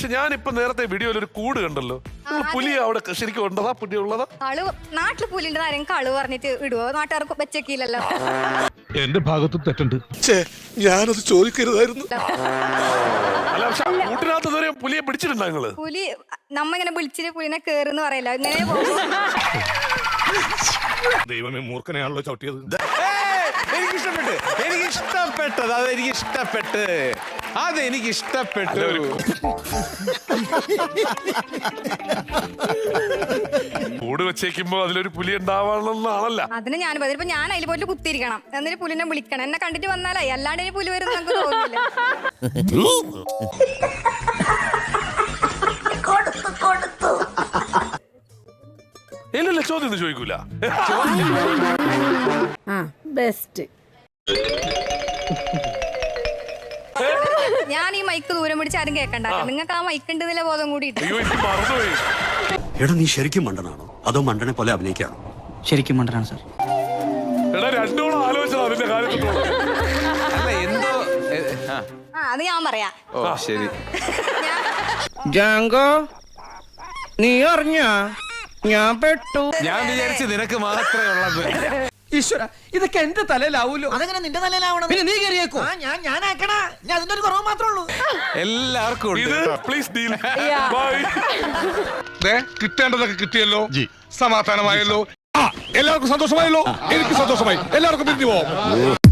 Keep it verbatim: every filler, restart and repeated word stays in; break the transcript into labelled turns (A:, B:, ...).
A: പക്ഷെ ഞാനിപ്പോ നേരത്തെ വീഡിയോയിൽ ഒരു കൂട് കണ്ടല്ലോ. പുലി അവിടെ ശരിക്കും ഉണ്ടതാ? പുലി ഉള്ളതാ?
B: കളു നാട്ടില് പുലിന്റെ ആരെങ്കിലും കളു പറഞ്ഞിട്ട് ഇടുവോ? നാട്ടുകാർക്ക് വെച്ചേക്കില്ലല്ലോ.
C: എന്റെ ഭാഗത്തും തെറ്റുണ്ട്.
D: ഞാനത് ചോദിക്കരുതായിരുന്നു.
A: അല്ല, പക്ഷെ കൂട്ടിനകത്ത് ഇതുവരെ പുലിയെ പിടിച്ചിട്ടുണ്ടോ നിങ്ങള്?
B: പുലി നമ്മ ഇങ്ങനെ വിളിച്ചിട്ട് പുലിനെ കേറുന്ന് പറയല്ല, ഇങ്ങനെ പോകും.
C: ദൈവമേ, മൂർഖനെയാണല്ലോ ചവിട്ടിയത്.
E: എനിക്ക് ഇഷ്ടപ്പെട്ടു, എനിക്ക് ഇഷ്ടപ്പെട്ടത് അതെനിക്ക് ഇഷ്ടപ്പെട്ട് അതെനിക്ക് ഇഷ്ടപ്പെട്ടു.
A: കൂട് വെച്ചേക്കുമ്പോ അതിലൊരു പുലി ഉണ്ടാവാണെന്നാണല്ല.
B: അതിന് ഞാൻ ഇപ്പൊ ഞാൻ അതിൽ പോയിട്ട് കുത്തിയിരിക്കണം, എന്നിട്ട് പുലിനെ വിളിക്കണം. എന്നെ കണ്ടിട്ട് വന്നാലായി, അല്ലാണ്ട് ഇനി പുലി വരും നമുക്ക് തോന്നില്ല.
A: ഇല്ലല്ല, ചോദ്യം ഒന്നും ചോദിക്കൂല.
F: ബെസ്റ്റ്.
B: ഞാൻ ഈ മൈക്ക് ദൂരം പിടിച്ച് ആരും കേൾക്കണ്ട. നിങ്ങൾക്ക് ആ മൈക്ക് ഉണ്ടെന്നില്ല ബോധം കൂടി.
A: അയ്യോ, എനിക്ക് മറന്നുപോയി.
D: എടാ, നീ ശരിക്കും മണ്ടനാണോ അതോ മണ്ടനെ പോലെ അഭിനയിക്കാണോ?
G: ശരിക്കും മണ്ടനാണ് സാർ.
A: എടാ, രണ്ടോളം ആലോചന അതിന്റെ കാര്യത്തിലുള്ള.
E: അല്ല, എന്തോ
B: ആ അത് ഞാൻ പറയാം.
E: ഓ ശരി.
G: ജാങ്കോ, നീ അറിഞ്ഞ ഞാൻ പെട്ടു.
E: ഞാൻ വിചാരിച്ചു നിനക്ക് മാത്രമേ ഉള്ളത്.
G: ഈശ്വര, ഇതൊക്കെ എന്റെ തലയിലാവൂലോ.
H: അതെങ്ങനെ നിന്റെ തലയിലാവണം?
G: പിന്നെ നീ കയറിയേക്കോ?
H: ഞാൻ ഞാൻ ആക്കണ, ഞാൻ അതിന്റെ ഒരു കുറവ് മാത്രമേ ഉള്ളൂ.
E: എല്ലാവർക്കും ഉണ്ട്
A: ഇത്
E: കേട്ടോ.
A: Please deal. ബൈ.
C: കിട്ടേണ്ടതൊക്കെ കിട്ടിയല്ലോ, സമാധാനമായല്ലോ, എല്ലാവർക്കും സന്തോഷമായല്ലോ. എനിക്ക് സന്തോഷമായി. എല്ലാവർക്കും പിരിഞ്ഞു പോവാം.